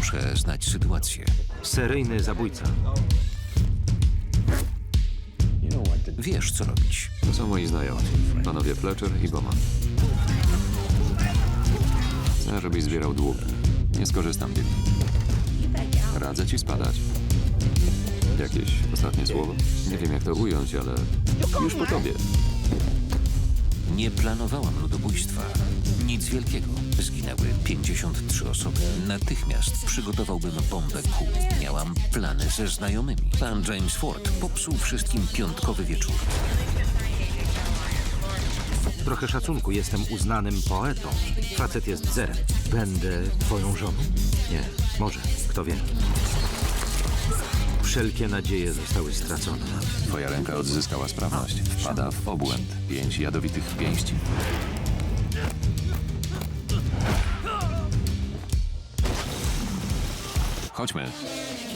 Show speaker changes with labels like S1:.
S1: Muszę znać sytuację.
S2: Seryjny zabójca.
S1: Wiesz, co robić.
S3: To są moi znajomi. Panowie Fletcher i Bowman. Chcę, żebyś zbierał długi. Nie skorzystam, Bill. Radzę ci spadać. Jakieś ostatnie słowo? Nie wiem, jak to ująć, ale już po tobie.
S1: Nie planowałam ludobójstwa. Nic wielkiego. Zginęły 53 osoby. Natychmiast przygotowałbym bombę kół. Miałam plany ze znajomymi. Pan James Ford popsuł wszystkim piątkowy wieczór.
S2: Trochę szacunku, jestem uznanym poetą. Facet jest zerem. Będę twoją żoną? Nie, może, kto wie. Wszelkie nadzieje zostały stracone.
S3: Twoja ręka odzyskała sprawność. Wpada w obłęd. 5 jadowitych pięści. Chodźmy.